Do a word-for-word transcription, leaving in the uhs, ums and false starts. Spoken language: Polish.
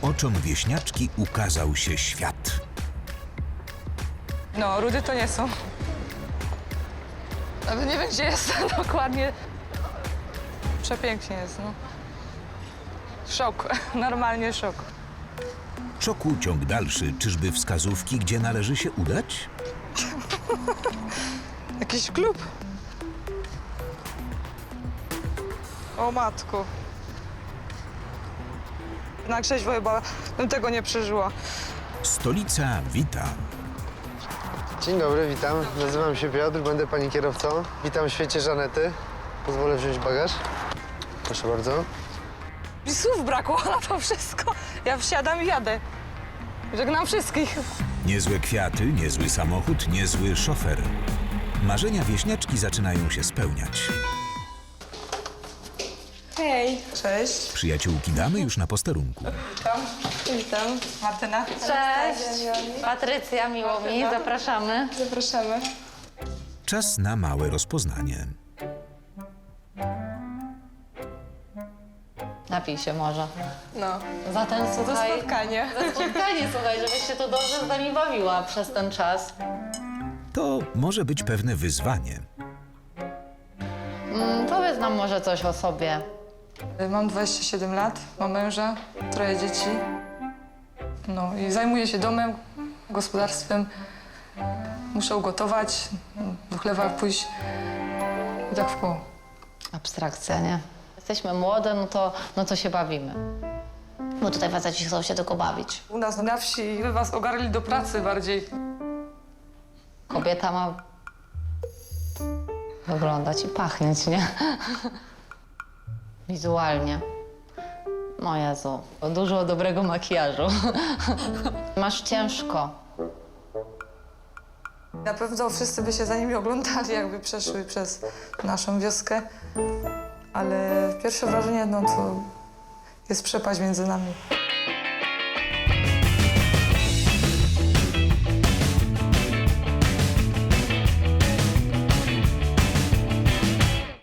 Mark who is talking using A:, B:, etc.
A: oczom wieśniaczki ukazał się świat.
B: No, rudy to nie są. Nawet nie wiem, gdzie jest dokładnie. Przepięknie jest, no. Szok, normalnie szok.
A: Szoku ciąg dalszy. Czyżby wskazówki, gdzie należy się udać?
B: Jakiś klub. O matku. Na trzeźwo chyba bym tego nie przeżyła.
A: Stolica wita.
C: Dzień dobry, witam. Nazywam się Piotr, będę pani kierowcą. Witam w świecie Żanety. Pozwolę wziąć bagaż. Proszę bardzo.
B: Mi słów brakło na to wszystko. Ja wsiadam i jadę. Żegnam wszystkich.
A: Niezłe kwiaty, niezły samochód, niezły szofer. Marzenia wieśniaczki zaczynają się spełniać.
B: Hej. Cześć.
A: Przyjaciółki damy już na posterunku.
B: Witam. Witam. Martyna.
D: Cześć, Patrycja, miło mi, zapraszamy.
B: Zapraszamy.
A: Czas na małe rozpoznanie.
D: Napij się może.
B: No.
D: Zatem
B: To
D: słuchaj,
B: spotkanie.
D: za spotkanie, słuchaj, żebyś się tu dobrze z nami bawiła przez ten czas.
A: To może być pewne wyzwanie.
D: Mm, powiedz nam może coś o sobie.
B: Mam dwadzieścia siedem lat, mam męża, troje dzieci. No i zajmuję się domem, gospodarstwem. Muszę ugotować, do chlewa pójść i tak w koło.
D: Abstrakcja, nie? Jesteśmy młode, no to, no to się bawimy. Bo tutaj faceci chcą się tylko bawić.
B: U nas na wsi by was ogarli do pracy bardziej.
D: Kobieta ma wyglądać i pachnieć, nie? Wizualnie. O Jezu, dużo dobrego makijażu. Masz ciężko.
B: Na pewno wszyscy by się za nimi oglądali, jakby przeszły przez naszą wioskę. Ale pierwsze wrażenie, no to jest przepaść między nami.